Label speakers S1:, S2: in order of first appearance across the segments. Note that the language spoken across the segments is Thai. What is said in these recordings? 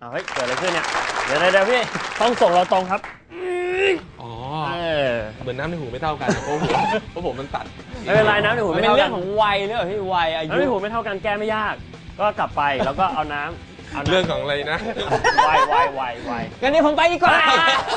S1: เฮ้ยเกิดอะไรขึ้นเนี่ยเดี๋ยวพี่ต้องส่งเราตรงครับ
S2: อ๋อเหมือนน้ำในหูไม่เท่ากันเพราะผมมันตัด
S1: ไม่เป็นไรน้ำในหูไม่เท่ากัน
S3: เป็นเรื่องของวัยเรื่องที่วัยอายุ
S1: น้ำในหูไม่เท่ากันแก้ไม่ยากก็กลับไปแล้วก็เอาน้ำ
S2: เรื่องของอะไรนะ
S1: ว
S3: งั้นนี่ผมไปดีกว่า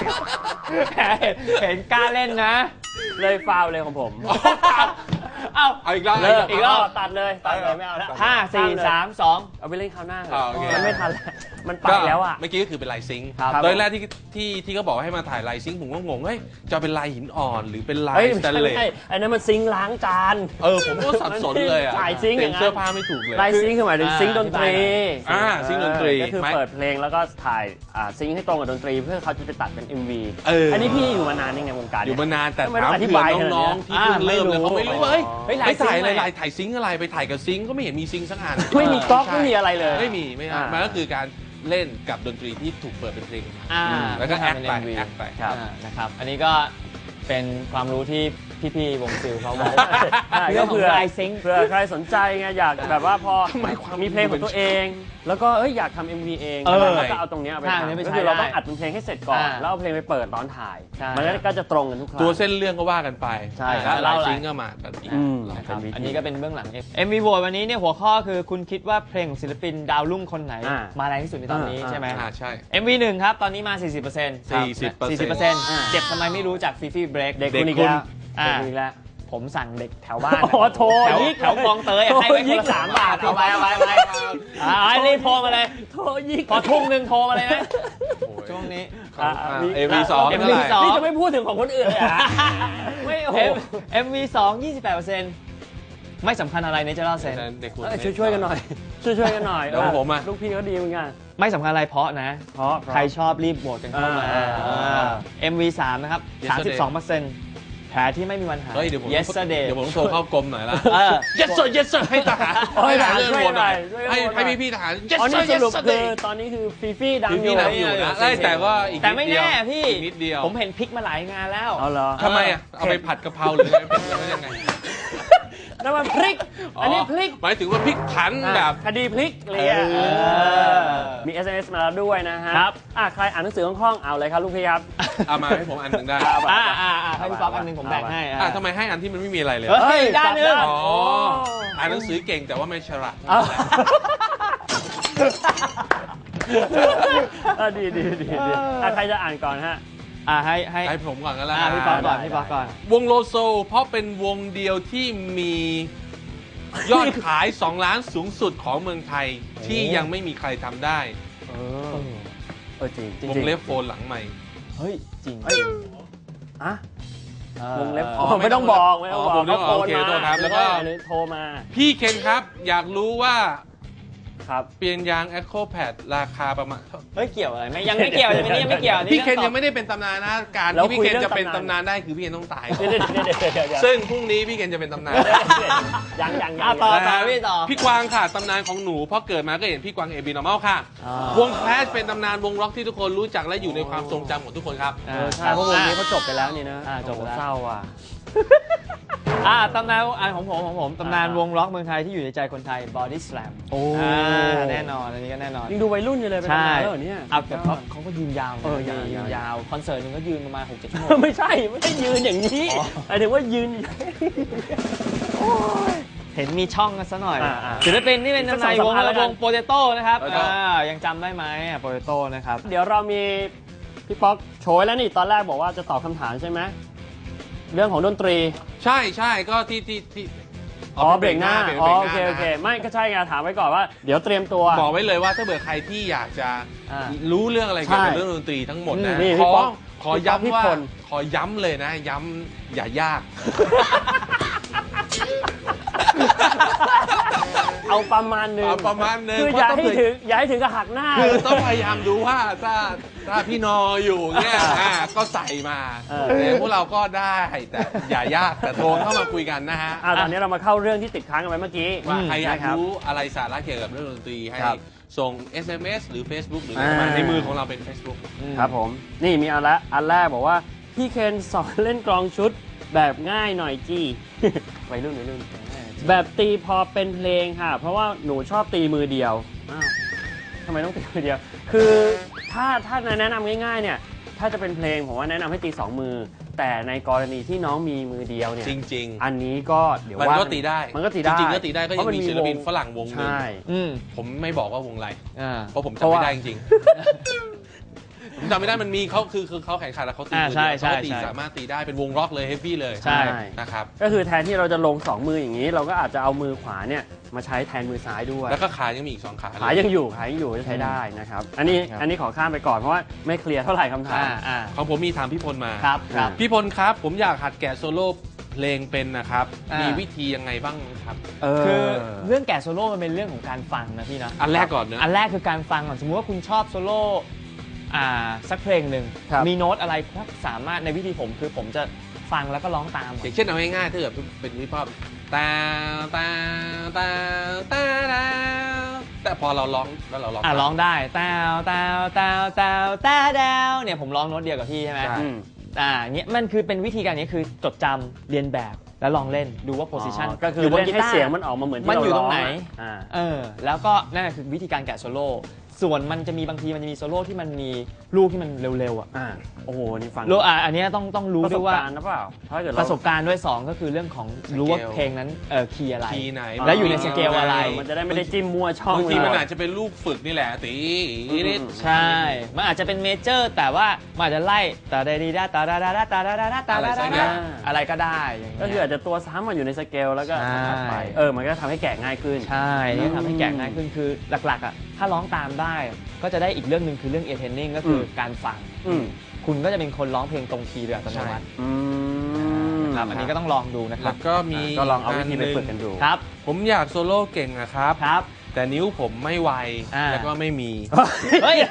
S3: เห็นกล้าเล่นนะ
S1: เลยฟาวเลยของผม
S2: เอาอีกรอบ
S1: อีกรอบตัดเลยไม่เอาแล้ว
S3: 5 4 3 2
S1: เอาไปเล่นคราวหน้า
S2: มัน
S1: ไม่ทันแล้วมันไปแล้วอ่ะ
S2: เมื่อกี้ก็คือเป็นลายซิงค์โดยแรกที่เขาบอกให้มาถ่ายลายซิงค์ผมก็งงเฮ้ยจะเป็นลายหินอ่อนหรือเป็นลายสแตนเลส
S1: อันนั้นมันซิงค์ล้างจาน
S2: ผมก็สับสนเลยอ่ะ
S1: เต็ม
S2: เสื้อผ้าไม่ถูกเลย
S1: ลายซิงค์คือหมายถึงซิงค์ดนตรี
S2: ซิงค์ดนตรี
S1: ก็คือเปิดเพลงแล้วก็ถ่ายซิงค์ให้ตรงกับดนตรีเพื่อเขาจะไปตัดเป็น MV อันนี้พี่อยู่มานานยังไงวงการ
S2: อยู่มานานแต่ถามเผื่อน้องๆที่เพิ่งเริ่มเลยเขาไม่รู้ว่าไปถ่ายอะไรถ่ายซิงค์อะไรไปถ่ายกับซิงค์ก็ไม่เห็นมีซิงค์สักอัน
S1: ไม่มีก๊อกไม่มีอะไรเลย
S2: ไม่มันก็คือการเล่นกับดนตรีที่ถูกเปิดเป็นเพลงแล้วก็แอคไป
S3: นะครับอันนี้ก็เป็นความรู้ที่พี่ๆวงซิลเขาบอก
S1: เรื่องของลายซิงค์เผื่อใครสนใจไงอยากแบบว่าพอมีเพลงของตัวเองแล้วก็อยากทำ MV เองแล้วก็เอาตรงนี้ไปทำก็คือเราต้องอัดเป็นเพลงให้เสร็จก่อนแล้วเอาเพลงไปเปิดตอนถ่ายมันก็จะตรงกันทุกครั้ง
S2: ตัวเส้นเรื่องก็ว่ากันไปแล้วลายซิงค์ก็มากันอีก
S3: อันนี้ก็เป็นเบื้องหลัง MV โหวตวันนี้เนี่ยหัวข้อคือคุณคิดว่าเพลงของศิลปินดาวรุ่งคนไหนมาแรงที่สุดในตอนนี้ใช่ไหม
S2: ใช่
S3: MV 1ครับตอนนี้มา 40%เจ็บทำไมไม่รู้จากฟีฟี่เบรก
S1: เด็กคุณอีกแล้ว
S3: ผมสั่งเด็กแถวบ้าน
S1: โทร
S3: แถวคลองเตยให้ไปคนละ3 บาทเอาไปรีบโทรมาเลย
S1: โทรยิก
S3: พอทุ่มนึงโทรมาเลยนะช่วงนี้
S2: MV2
S1: นี่จะไม่พูดถึงของคนอื่นเลย
S3: ไม่โอ้โห MV2 28%ไม่สำคัญอะไรในเจล่าเซน
S1: ช่วยกันหน่อยช่วยกันหน่อย
S2: แล้วผม
S1: ลูกพี่เขาดีเหมือนกัน
S3: ไม่สำคัญอะไรเพราะนะใครชอบรีบโหวตกันเข้ามา MV3 นะครับ 32%แผลที่ไม่มีวันหาย
S2: Yesterday เดี๋ยวผมต้องโทรเข้ากรมหน่อยละ Yes sir ให้ทหาร
S1: เรื่องหน่อย
S2: ให้พี่ทหาร
S1: Yes sir Yesterday ตอนนี้คือฟีดังอยู่
S2: นะแต่ก็อีก
S3: แต่ไม่แน่พี่
S2: นิดเดียว
S3: ผมเห็นพลิกมาหลายงานแล้ว
S2: ทำไมเอาไปผัดกะเพราหรืออะไรยังไง
S1: นั่นมันพลิกอันนี้พลิก
S2: หมายถึงว่าพลิกผันแบบ
S1: คดีพลิกเลยมี SMS มาแล้วด้วยนะฮะครับใครอ่านหนังสือคล่องๆเอาเลยครับลูกพี่ครับ
S2: เอามาให้ผมอันหนึ่งได้
S3: ให้พี่ป๊อกอันหนึ่งผมแบ่งให้
S2: ทำไมให้อันที่มันไม่มีอะไรเลย
S3: ได้นึง
S2: อ่านหนังสือเก่งแต่ว่าไม่ฉลาด
S1: ดีใครจะอ่านก่อนฮะ
S2: ให้ผมก่อนก็แล้ว
S3: พี่ป๊อกก่อน
S2: วงโลโซเพราะเป็นวงเดียวที่มียอดขาย2 ล้านสูงสุดของเมืองไทยที่ยังไม่มีใครทำได้
S1: จริง
S2: วงเล็บโฟนหลังใหม่
S3: เฮ้ยจริง
S1: วงเล็บไม่ต้องบอก
S2: ผมต้องโอเคโทษครับแล้วก็
S1: โทรมา
S2: พี่เคนครับอยากรู้ว่า
S1: ครับ
S2: เปลี่ยนยาง EcoPad ราคาประมาณ
S3: เกี่ยวอะไรยังไม่เกี่ยวยังไม่เกี่ยว
S2: พี่เคนยังไม่ได้เป็นตำนานนะการที่พี่เคนจะเป็นตำนานได้คือพี่เคนต้องตายซึ่งพรุ่งนี้พี่เคนจะเป็นตำนาน
S1: ยัง
S3: ต่อ
S2: พี่กวางค่ะตำนานของหนูเพราะเกิดมาก็เห็นพี่กวางAB Normal ค่ะวง Clash เป็นตำนานวงร็อกที่ทุกคนรู้จักและอยู่ในความทรงจำของทุกคนครับ
S1: ใช่เพราะวงนี้เขาจบไปแล้วนี่นะ
S3: จบแล้ว
S1: เศร้าอ่ะ
S3: ตำนานของผมตำนานวงร็อกเมืองไทยที่อยู่ในใจคนไทย Body Slam แน่นอนอันนี้ก็แน่นอน
S1: ยังดูวัยรุ่นอยู่เลยเป็นตำนานแล้วเนี่ย
S3: แต่เขาก็ยืนยาวยืนยาวคอนเสิร์ตนึงก็ยืนประมาณ 6-7 ชั่วโมง
S1: ไม่ใช่ยืนอย่างนี้หมายถึงว่ายืน
S3: เห็นมีช่องกันซะหน่อยศิลปินที่เป็นตำนานวงโปเตโต้นะครับยังจำได้ไหมโปเตโต้นะครับ
S1: เดี๋ยวเรามีพี่ป๊อกโชยแล้วนี่ตอนแรกบอกว่าจะตอบคำถามใช่ไหมเรื่องของดนตรี
S2: ใช่ก็ที่
S1: เบรกหน้าโอเคไม่ก็ใช่ไงถามไว้ก่อนว่าเดี๋ยวเตรียมตัว
S2: บอกไว้เลยว่าถ้าเบื่อใครที่อยากจะรู้เรื่องอะไรเกี่ยวกับเรื่องดนตรีทั้งหมดนะขอย้ำว่าขอย้ำเลยนะย้ำอย่ายาก
S1: เอาประมาณนึงคืออย่าให้ถึงกับหักหน้า
S2: คือต้องพยายามดูว่าถ้าพี่นออยู่เนี่ยก็ใส่มาพวกเราก็ได้แต่อย่ายากแต่โทรเข้ามาคุยกันนะฮะ
S1: ตอนนี้เรามาเข้าเรื่องที่ติดค้างกันไว้เมื่อกี้
S2: ว่าใครอยากรู้อะไรสาระเกี่ยวกับเรื่องดนตรีให้ส่ง SMS หรือ Facebook หรืออะไรในมือของเราเป็น Facebook
S1: ครับผมนี่มีอันแรกบอกว่าพี่เคนสอนเล่นกลองชุดแบบง่ายหน่อยจีวัยรุ่นแบบตีพอเป็นเพลงค่ะเพราะว่าหนูชอบตีมือเดียวทำไมต้องตีมือเดียวคือถ้าแนะนำง่ายๆเนี่ยถ้าจะเป็นเพลงผมว่าแนะนำให้ตี2 มือแต่ในกรณีที่น้องมีมือเดียวเนี่ย
S2: จริงๆ
S1: อันนี้ก็เดี๋ยว
S2: มัน
S1: ว่า
S2: ก็ตีได้
S1: มันก็ตีได้
S2: จริงๆก็ตีได้ก็ยังมีศิลปินฝรั่งวงหนึง
S1: ใช่
S2: ผมไม่บอกว่าวงอะไร เพราะผม
S1: เพ
S2: จำ
S1: ราะว่า
S2: ไม่ได้จริงๆ ผมจำไม่ได้มันมีเขาคือเขาแข่งขันแล้วเขาตีมือ
S3: ใช่
S2: เดียว
S3: ใช่
S2: เขาตีสามารถตีได้เป็นวงร็อกเลยเฮฟวี่เลย
S3: ใช่
S2: นะครับ
S1: ก็คือแทนที่เราจะลง2 มืออย่างนี้ เราก็อาจจะเอามือขวาเนี่ยมาใช้แทนมือซ้ายด้วย
S2: แล้วก็ขายังมีอีก2 ขาเลย
S1: ขายังอยู่จะใช้ได้นะครับอันนี้ขอข้ามไปก่อนเพราะว่าไม่เคลียร์เท่าไหร่คำถาม
S2: ของผมมีถามพี่พลมา
S3: ครับครับ
S2: พี่พลครับผมอยากหัดแกะโซโล่เพลงเป็นนะครับ
S3: มี
S2: มีวิธียังไงบ้างครับ
S3: คือเรื่องแกะโซโล่มันเป็นเรื่องของการฟังนะพี่นะ
S2: อันแรกก่อนเนอะ
S3: อันแรกคือการฟังก่อนสมมติว่าคุณชอบโซโล่สักเพลงหนึ่ง
S1: ครับ
S3: มีโน้ตอะไรก็สามารถในวิธีผมคือผมจะฟังแล้วก็ร้องตาม
S2: อย่างเช่นเอาง่ายๆถ้าเกิดเป็นฮิปฮอปตาตาตาตาตาแต่พอเราร้องแล้วเราร้อง
S3: ร้องได้ตาวตาวตาวตาวตาดาวเนี่ยผมร้องโน้ตเดียวกับพี่ใช่ไหม
S2: ใช่
S3: เนี่ยมันคือเป็นวิธีการนี้คือจดจำเรียนแบบแล้วลองเล่นดูว่าโพสิชัน
S1: ก็คือ
S3: อยู่บน
S1: เล่น
S3: กี
S1: ให้
S3: ตาร์
S1: เสียงมันออกมาเหมือนที่
S3: มัน
S1: เรา
S3: อยู่ต
S1: ร้
S3: ร
S1: อง
S3: งไหน แล้วก็นั่นคือวิธีการแกะโซโล่ส่วนมันจะมีบางทีมันจะมีโซโล่ที่มันมีลูกที่มันเร็วๆ
S1: โอ้โหนี่ฟัง
S3: อันนี้ต้องรู้
S1: ประส
S3: ด้ว
S1: บ
S3: ยว่า
S1: การณ์นะเปล่าถ้าเกิด
S3: ประสบการณ์ด้วย 2 ก็คือเรื่องของรู้ว่าเพลงนั้นคีย์อะไร
S2: คีย์ไหน
S3: แล้วอยู่ในสเกลอะไร
S1: มันจะได้ไม่ได้จิ้มมั่วช่อง
S2: บางทีมัน
S1: เลย
S2: อาจจะเป็นลูกฝึกนี่แหละตีนิด
S3: ใช่ มันอาจจะเป็นเมเจอร์แต่ว่ามันอาจจะไล่ตาดาดีดาตาดาดาดาตาดาดาดาตาดาดาดาอะไรก็ได้อย่างเงี้ย
S1: ก็คืออาจจะตัวซ้ำมาอยู่ในสเกลแล้วก็
S3: ใช่
S1: ถัดไปมันก็ทำให้แกะง่ายขึ้น
S3: ใช่นี่ทำให้แกะง่ายขึ้นคือหลักๆถ้าร้องตามได้ก็จะได้อีกเรื่องหนึ่งคือเรื่องเอเทนนิ่งก็คือการฟัง คุณก็จะเป็นคนร้องเพลงตรงคีย์โดยอัตโนมัตินะครับอันนี้ก็ต้องลองดูนะค
S2: แล้
S3: รับ
S2: วก็มี
S1: ก็ลองเอาวิธีไปฝึกกันดู
S3: ครับ
S2: ผมอยากโซโล่เก่งนะครับ
S3: ครับ
S2: แต่นิ้วผมไม่ไวแล้วก็ไม่มี
S3: เฮ้ย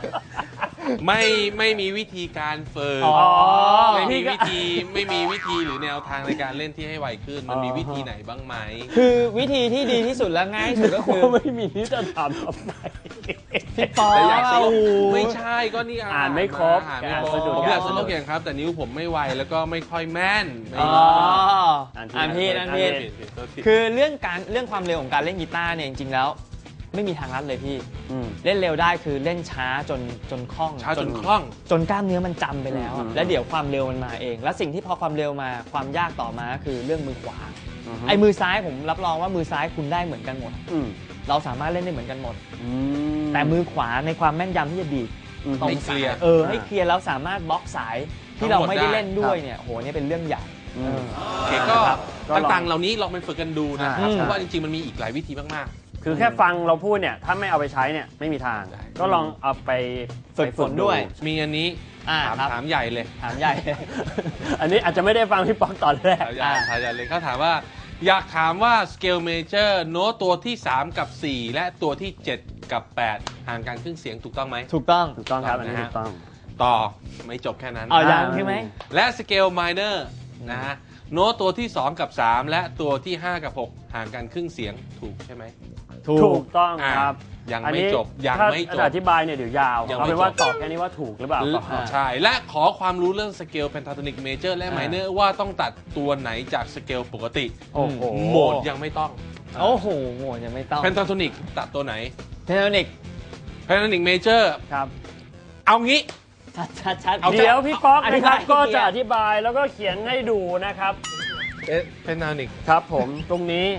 S2: ไม่มีวิธีการฝึก ไม่มีวิธีหรือแนวทางในการเล่นที่ให้ไวขึ้น มันมีวิธีไหนบ้างไหม
S3: คือวิธีที่ดีที่สุดและง่ายที่สุดก็คือ
S1: ไม่มีที่จะทำทำไม
S3: พี่ปอ
S2: แต่อยากโซโล่
S3: โอ้โห
S2: ไม่ใช่ก็นี่
S1: อ่านไม่ครบ
S2: อ่านไม่ครบ
S1: อ่านสะดุด
S2: ผมอยากโซโล่เก่งครับ แต่นิ้วผมไม่ไวแล้วก็ไม่ค่อยแม่น
S3: อ่านผิดคือเรื่องความเร็วของการเล่นกีตาร์เนี่ยจริงๆแล้วไม่มีทางลัดเลยพี่เล่นเร็วได้คือเล่นช้าจนคล่อง
S2: ช้าจนคล่อง
S3: จนกล้ามเนื้อมันจำไปแล้วอะแล้วเดี๋ยวความเร็วมันมาเอง แล้วสิ่งที่พอความเร็วมาความยากต่อมาคือเรื่องมือขวาไอ้มือซ้ายผมรับรองว่ามือซ้ายคุณได้เหมือนกันหมดเราสามารถเล่นได้เหมือนกันหมดแต่มือขวาในความแม่นยำที่จะดีดตรงสายให้เคลียร์แล้วสามารถบล็อกสายที่เราไม่ได้เล่นด้วยเนี่ยโหนี่เป็นเรื่องใหญ่
S2: โอเคก็ต่างๆเหล่านี้ลองไปฝึกกันดูนะครับเพราะว่าจริงๆมันมีอีกหลายวิธีมากๆ
S1: คือแค่ฟังเราพูดเนี่ยถ้าไม่เอาไปใช้เนี่ยไม่มีทาง ก็ลองเอาไป
S3: ฝึกฝนด้วย
S2: มีอันนี้ถามใหญ่เลย
S3: ถามใหญ่
S1: อันนี้อาจจะไม่ได้ฟังพี่ป๊อกตอนแรก
S2: ถามใหญ่เลยเขาถามว่าอยากถามว่า scale major โน้ตตัวที่ 3 กับ 4 และตัวที่ 7 กับ 8 ห่างกันครึ่งเสียงถูกต้องไหม
S3: ถูกต้อง
S1: ถูกต้องครับอันนี้ถูกต้อง
S2: ต่อไม่จบแค่นั้น
S3: ยังใช่ไหม
S2: และ scale minor นะฮะโน้ตตัวที่ 2 กับ 3 และตัวที่ 5 กับ 6 ห่างกันครึ่งเสียงถูกใช่ไหม
S1: ถูกต้องครับ
S2: ยังไม่จบยังไม่จบ
S1: ถ้าอธิบายเนี่ยเดี๋ยวยาว
S2: ยัง
S1: เอา
S2: ไม่
S1: เป็นว่า
S2: จบ
S1: ตอบแค่นี้ว่าถูกหรือเปล่าก็พอ
S2: ใช่ และขอความรู้เรื่องสเกล pentatonic major และ minor ว่าต้องตัดตัวไหนจากสเกลปกติ
S1: โอ้โห
S2: โหมดยังไม่ต้อง
S3: โอ้โหโหยังไม่ต้อง
S2: pentatonic ตัดตัวไหน
S3: pentatonic
S2: pentatonic major
S1: ครับ
S2: เอางี้
S3: ชัด
S2: เอา
S1: เดี๋ยวพี่ป๊อกนะครับ
S3: อธิบาย
S1: ก็จะอธิบายแล้วก็เขียนให้ดูนะครับ
S2: pentatonic
S1: ครับผมตรงนี้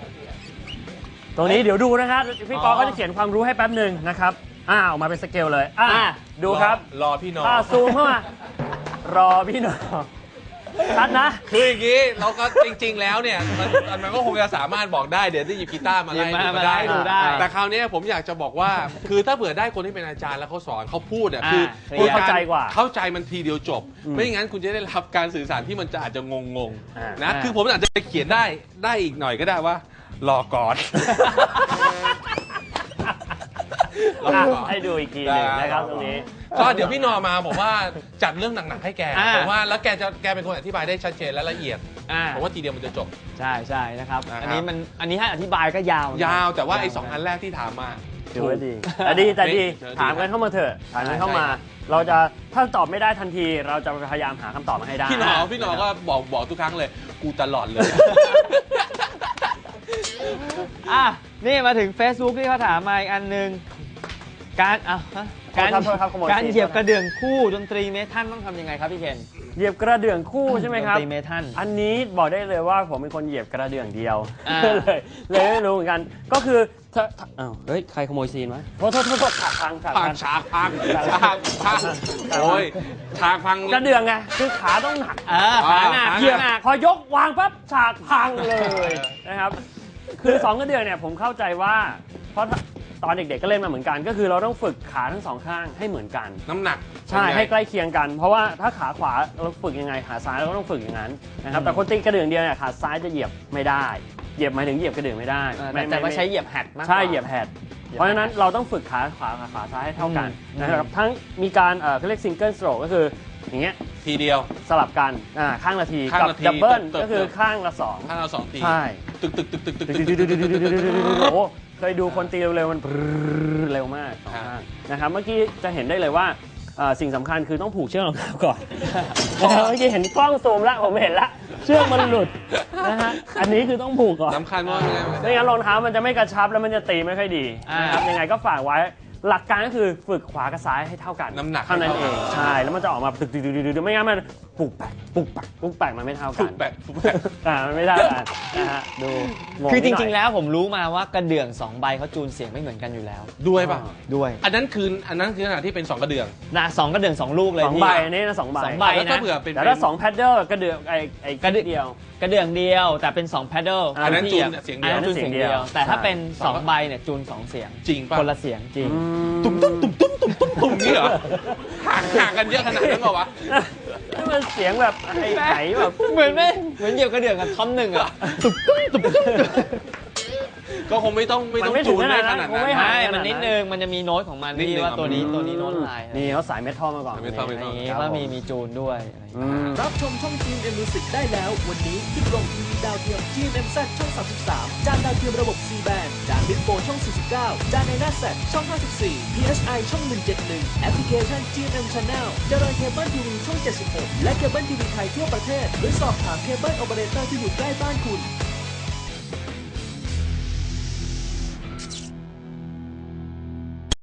S1: เดี๋ยวดูนะครับพี่ป๊อกก็จะเขียนความรู้ให้แป๊บหนึ่งนะครับออกมาเป็นสเกลเลยดูครับ
S2: รอพี่น้อง
S1: ซูมเข้ามารอพี่น้องชัดนะ
S2: คืออย่างนี้เราก็จริงๆแล้วเนี่ยมันก็คงจะสามารถบอกได้เดี๋ยวได้หยิบกีตาร์มาไล่
S3: มาไล่ดูได้
S2: แต่คราวนี้ผมอยากจะบอกว่า คือถ้าเผื่อได้คนที่เป็นอาจารย์แล้วเขาสอนเขาพูดอ่ะคือ
S1: เข้าใจกว่า
S2: เข้าใจมันทีเดียวจบ ไม่อย่างนั้นคุณจะได้รับการสื่อสารที่มันจะอาจจะงงๆนะคือผมอาจจะเขียนได้อีกหน่อยก็ได้ว่ารอก่อน
S1: ให้ดูอีกทีหนึ่งนะครับตรงนี้
S2: ก็เดี๋ยวพี่นอมาผมว่าจัดเรื่องหนักๆให้แกผมว่าแล้วแกเป็นคนอธิบายได้ชัดเจนและละเอียดผมว่าทีเดียวมันจะจบ
S3: ใช่นะครับ
S2: นะครับ
S3: อันนี้ให้อธิบายก็ยาว
S2: แต่ว่าไอ้2 อันแรกที่ถามมา
S1: ถือว่าดีแต่ดีถามกันเข้ามาเถอะถามกันเข้ามา เราจะถ้าตอบไม่ได้ทันทีเราจะพยายามหาคำตอบมาให้ได้
S2: พี่หนอก็บอกทุกครั้งเลยกูตลอดเลย
S3: นี่มาถึง Facebook ที่เขาถามมาอีกอันนึงการเหยียบกระเดื่องคู่ดนตรีเมทัลต้องทำยังไงครับพี่เคน
S1: เหยียบกระเดื่องคู่ใช่ไหมครับ
S3: ดนตรีเมทัล
S1: อันนี้บอกได้เลยว่าผมเป็นคนเหยียบกระเดื่องเดียวเลยไม่รู้เหมือนกันก็คือเฮ้ยใครขโมยซีนวะโทษฉากพัง
S2: ฉากพังโอ้ยฉากพัง
S1: กระเดื่องไงคือขาต้องหนัก
S3: ขาหนัก
S1: เหยียบพอยกวางปั๊บฉากพังเลยนะครับคือ2กระเดื่องเนี่ยผมเข้าใจว่าเพราะตอนเด็กๆก็เล่นมาเหมือนกันก็คือเราต้องฝึกขาทั้ง2ข้างให้เหมือนกัน
S2: น้ำหนัก
S1: ใช่ให้ใกล้เคียงกันเพราะว่าถ้าขาขวาเราฝึกยังไงขาซ้ายเราก็ต้องฝึกอย่างนั้นนะครับแต่คนตีกระเดื่องเดียวเนี่ยขาซ้ายจะเหยียบไม่ได้เหยียบหมายถึงเหยียบกระเดื่องไม่ได้
S3: แต่ว่าใช้เหยียบแฮดมาก
S1: ใช่เหยียบแฮดเพราะฉะนั้นเราต้องฝึกขาขวาขาซ้ายให้เท่ากันนะครับทั้งมีการเขาเรียกซิงเกิลสโตรกก็คืออย่างเงี้ย
S2: ทีเดียว
S1: สลับกันข้างละทีกับดับเบิลก็คือข้างละ
S2: 2ที
S1: ใช่
S2: ตึก
S1: โอ้เคยดูคนตีเร็วๆมันเร็วมากนะครับเมื่อกี้จะเห็นได้เลยว่าสิ่งสำคัญคือต้องผูกเชือกรองเท้าก่อนเมื่อกี้เห็นกล้องซูมแล้วผมเห็นละเชือกมันหลุดนะฮะอันนี้คือต้องผูกก่อน
S2: สำคัญมาก
S1: ไม่งั้นรองเท้ามันจะไม่กระชับแล้วมันจะตีไม่ค่อยดีนะครับยังไงก็ฝากไว้หลักการก็คือฝึกขวากับซ้ายให้เท่ากัน
S2: น้ำหนัก
S1: เท่านั้นเองใช่แล้วมันจะออกมาตึกไม่งั้นมันปุกแปกมันไม่เท่ากันมันไม่เท่ากันนะฮะดู
S3: คือจริงๆแล้วผมรู้มาว่ากระเดื่อง2ใบเขาจูนเสียงไม่เหมือนกันอยู่แล้ว
S2: ด้วยป่ะ
S3: ด้วย
S2: อันนั้นคือขณะที่เป็น2กระเดื่อง
S3: นะ2กระเดื่อง2ลูกเลย
S1: 2ใบนี่นะ2ใบ
S2: แล้วก็เผื่อเป็น
S1: แต่ถ้า2แพดเดิลกระเดื่องกระเดื่องเดียว
S3: กระเดื่องเดียวแต่เป็น2แพดเดิล
S2: อันนั้นจูนเสียงเดียว
S3: แต่ถ้าเป็น2ใบเนี่ยจูน2เสียง
S2: จริงป่ะ
S3: คนละเสียงจริง
S2: ตุ้มนี่เหรอห่างกันเยอะขนาดนั้นเหรอวะ
S1: นี่มันเสียงแบบไหนแบบ
S3: เหมือนเหยียบกระเดื่องกับท่อนหนึ่งอ่ะ
S2: ก็คงไม่ต้องจูนได้ขนาดนั้น
S3: ไม่มันนิดนึงมันจะมีโน้ตของมันที่ว่าตัวนี้โน้ตลาย
S1: นี่เขาสายเมทัลมาก่อน
S3: ว่ามีจูนด้วย
S4: รับชมช่อง GMM Music ได้แล้ววันนี้ที่โรงทีวีดาวเทียม GMMZ ช่อง 33 จานดาวเทียมระบบ C band จานบิ๊กโฟช่อง 49 จานในหน้าแซดช่อง 54 PSI ช่อง 171 แอปพลิเคชัน GMM Channel จรอยเคเบิลทีวีช่อง 76 และเคเบิลทีวีไทยทั่วประเทศหรือสอบถามเคเบิลโอเปอเรเตอร์ที่อยู่ใกล้บ้านคุณ